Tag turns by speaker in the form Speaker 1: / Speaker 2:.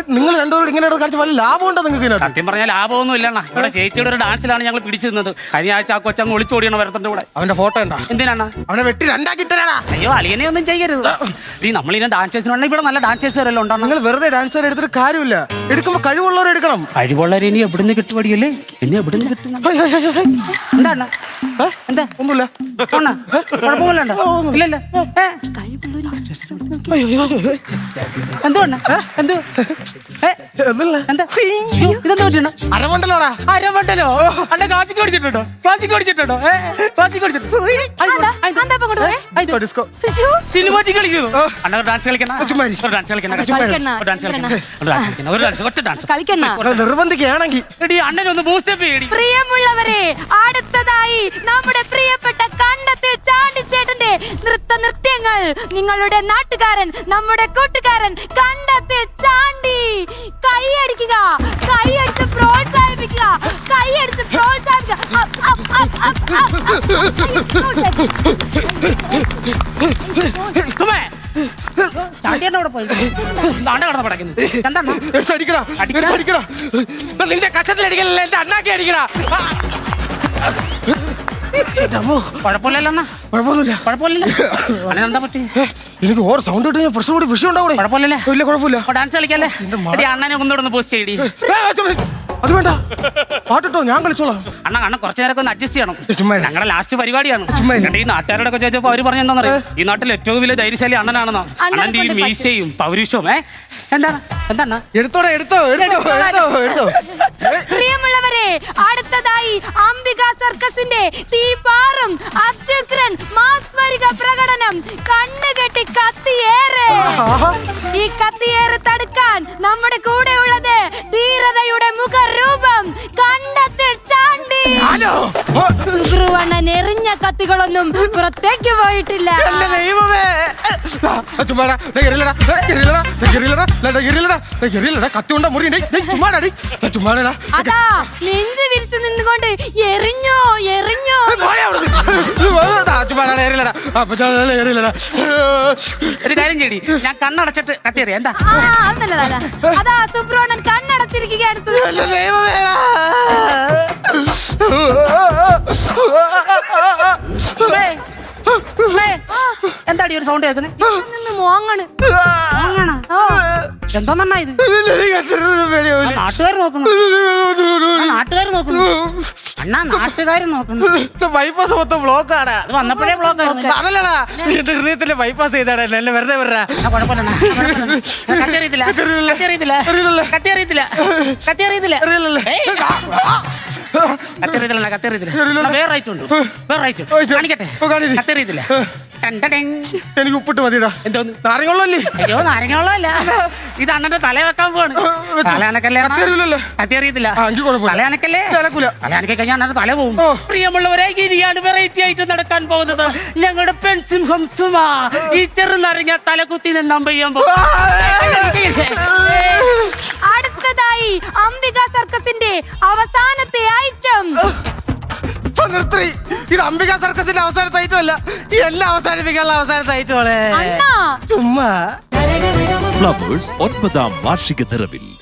Speaker 1: നിങ്ങൾ രണ്ടുപേരും ഇങ്ങനെ കാണിച്ച വല്ല ലാഭം ഉണ്ടോ നിങ്ങൾക്ക്?
Speaker 2: സത്യം പറഞ്ഞാൽ ലാഭമൊന്നും ഇല്ലണ്ണ. ഇവിടെ ചേച്ചിയുടെ ഒരു ഡാൻസിലാണ് ഞങ്ങൾ പിടിച്ചു നിന്നത്. കഴിഞ്ഞ ആഴ്ച ആ കൊച്ചങ്ങ് ഒളിച്ചോടിയാണ് വരത്തിന്റെ കൂടെ.
Speaker 1: അവന്റെ ഫോട്ടോ ഉണ്ടോ?
Speaker 2: എന്തിനാണ്
Speaker 1: അവനെ വെട്ടി രണ്ടാക്കിട്ടാ?
Speaker 2: അയ്യോ അളിയനെ ഒന്നും ചെയ്യരുത്. ഈ നമ്മളിങ്ങനെ ഡാൻസേഴ്സിനുണ്ടെങ്കിൽ ഇവിടെ നല്ല ഡാൻസേഴ്സ് വരെല്ലാം ഉണ്ടോ?
Speaker 1: നിങ്ങൾ വെറുതെ ഡാൻസർ എടുത്തിട്ട് കാര്യമില്ല. എടുക്കുമ്പോ കഴിവുള്ളവരെ എടുക്കണം.
Speaker 2: കഴിവുള്ളവരെ ഇനി എവിടുന്ന് കിട്ടുപടിയല്ലേ? ഇനി എവിടുന്ന് കിട്ടുന്ന എന്താണ്? എന്താ
Speaker 1: ഒന്നുമില്ല.
Speaker 2: കുഴപ്പമില്ല. ഇല്ലല്ലോ. എന്തുകൊണ്ട എന്തോ ഇതെന്താ പറ്റണ?
Speaker 1: അരമണ്ടലോടാ.
Speaker 2: അരമണ്ടലോ? അന്നെ ക്ലാസിക്ക് പഠിച്ചിട്ടുണ്ടോ? ക്ലാസിക്ക് പഠിച്ചിട്ടുണ്ടോ? ക്ലാസിക്ക് പഠിച്ചിട്ടുണ്ടോ? സിനിമാറ്റിക് കളിക്കുന്നു. അണ്ണ ഡാൻസ് കളിക്കണം. ഡാൻസ് കളിക്കണം.
Speaker 1: നിർബന്ധിക്കുകയാണെങ്കിൽ
Speaker 2: എടി അണ്ണനെ ഒന്ന് ബൂസ്റ്റപ്പ് ചെയ്യടി.
Speaker 3: പ്രിയമുള്ളവരെ, അടുത്തതായി നമ്മുടെ പ്രിയപ്പെട്ട കണ്ടത്തിൽ ചാണ്ടിച്ചേട്ടന്റെ നൃത്യങ്ങൾ നിങ്ങളുടെ നാട്ടുകാരൻ, നമ്മുടെ കൂട്ടുകാരൻ കണ്ടത്തിൽ ചാണ്ടി. കൈയടിക്കുക, കൈയടിച്ച് പ്രോത്സാഹിപ്പിക്കുക, കൈയടിച്ച് പ്രോത്സാഹിപ്പിക്കുക.
Speaker 2: ചാണ്ടിയോടെ പോയി കടന്ന് പടക്കുന്നത് എന്താണ്?
Speaker 1: നിന്റെ കഷത്തിലടിക്കലല്ല, എന്റെ അണ്ണാക്കി അടിക്കണ.
Speaker 2: കുഴപ്പമില്ലല്ലോ. കുഴപ്പമില്ല. എന്താ പറ്റി?
Speaker 1: എനിക്ക് ഓരോ സൗണ്ട് കിട്ടി പ്രശ്നം കൂടി വിഷയം ഉണ്ടാവും.
Speaker 2: കുഴപ്പമില്ലല്ലേ?
Speaker 1: ഇല്ല കുഴപ്പമില്ല.
Speaker 2: ഡാൻസ് കളിക്കല്ലേ? അണ്ണനെ ഒന്നുകൂടെ പോസ്റ്റ് ചെയ്യടി.
Speaker 1: അത് വേണ്ട, പാട്ടോ ഞാൻ കളിച്ചോളാം.
Speaker 2: അണ്ണ കുറച്ചു നേരമൊക്കെ ഒന്ന് അഡ്ജസ്റ്റ് ചെയ്യണം. ഞങ്ങളുടെ ലാസ്റ്റ് പരിപാടിയാണ്. ഈ നാട്ടുകാരോടൊക്കെ ചോദിച്ചപ്പോ അവര് പറഞ്ഞ എന്താണെന്നറിയോ? ഈ നാട്ടിൽ ഏറ്റവും വലിയ ധൈര്യശാലി അണ്ണനാണെന്നോ. അണ്ണന്റെ ഈ മീശയും പൗരുഷവും എന്താണ്?
Speaker 1: എടുത്തോ.
Speaker 3: പ്രിയമുള്ളവരെ, അടുത്തതായി അംബിക സർക്കസിന്റെ തീപാറും അത്യുഗ്രൻ മാസ്മരിക പ്രകടനം കണ്ണുകെട്ടി കത്തിയേറ്. ഈ കത്തിയേറ് തടുക്കാൻ നമ്മുടെ കൂടെ ഉള്ളത് ധീരതയുടെ മുഖരൂപം കണ്ടത്തിൽ ചാണ്ടി. സുബ്രുവണ്ണൻ എറിഞ്ഞ കത്തികളൊന്നും പുറത്തേക്ക് പോയിട്ടില്ല. അതാ നെഞ്ചു വിരിച്ചു നിന്നുകൊണ്ട് എറിഞ്ഞോ.
Speaker 2: ഒരു കാര്യം ചെയ്യടി, ഞാൻ കണ്ണടച്ചിട്ട് കത്തിയറിയാം. എന്താ
Speaker 3: അതല്ല, അതാ സുബ്രുവണ്ണൻ കണ്ണടച്ചിരിക്കുകയാണ്.
Speaker 2: എന്താടി ഒരു സൗണ്ട് കേൾക്കുന്നത്? എന്തോന്നാ ഇത്? നാട്ടുകാർ നോക്കുന്നു. അണ്ണാ നാട്ടുകാർ നോക്കുന്നു.
Speaker 1: ബൈപ്പാസ് മൊത്തം ബ്ലോക്കാണ്.
Speaker 2: അത് വന്നപ്പോഴേ ബ്ലോക്ക് ആയിരുന്നു.
Speaker 1: അതല്ലടാ, എന്റെ ഹൃദയത്തിലെ ബൈപ്പാസ് ചെയ്താടാ. എന്നെ വെറുതെ വരാ. എനിക്ക് ഉപ്പിട്ട് മതിടാ.
Speaker 2: എന്തോന്ന്
Speaker 1: നാരങ്ങള്ളല്ലേ?
Speaker 2: അയ്യോ നാരങ്ങള്ളല്ല, ഇത് അണ്ണന്റെ തല വെക്കാൻ പോവാണ്. തലയാനക്കല്ലേ? കത്തിയറിയത്തില്ല. തലയാനക്കല്ലേ? തലയാനക്കെ കഴിഞ്ഞാൽ അണ്ണന്റെ തല പോകും. പ്രിയമുള്ളവരെ, ഇനിയാണ് വെറൈറ്റി ആയിട്ട് നടക്കാൻ പോകുന്നത്. ഞങ്ങളുടെ പെൺസിംഹം സുമ ഈ ചെറുനാരങ്ങ തലകുത്തി നിന്നാൻ പെയ്യുമ്പോ
Speaker 3: അടുത്തതായി അംബിക സർക്കസിന്റെ അവസാനത്തെ ഐറ്റം.
Speaker 1: ഇത് അംബിക സർക്കസിന്റെ അവസാനത്തെ ഐറ്റം അല്ല, ഈ എല്ലാം അവസാനിപ്പിക്കാനുള്ള അവസാനത്തെ ഐറ്റം. ചുമ്മാ
Speaker 4: ഫ്ലവേഴ്സ് 9ാം വാർഷിക നിറവിൽ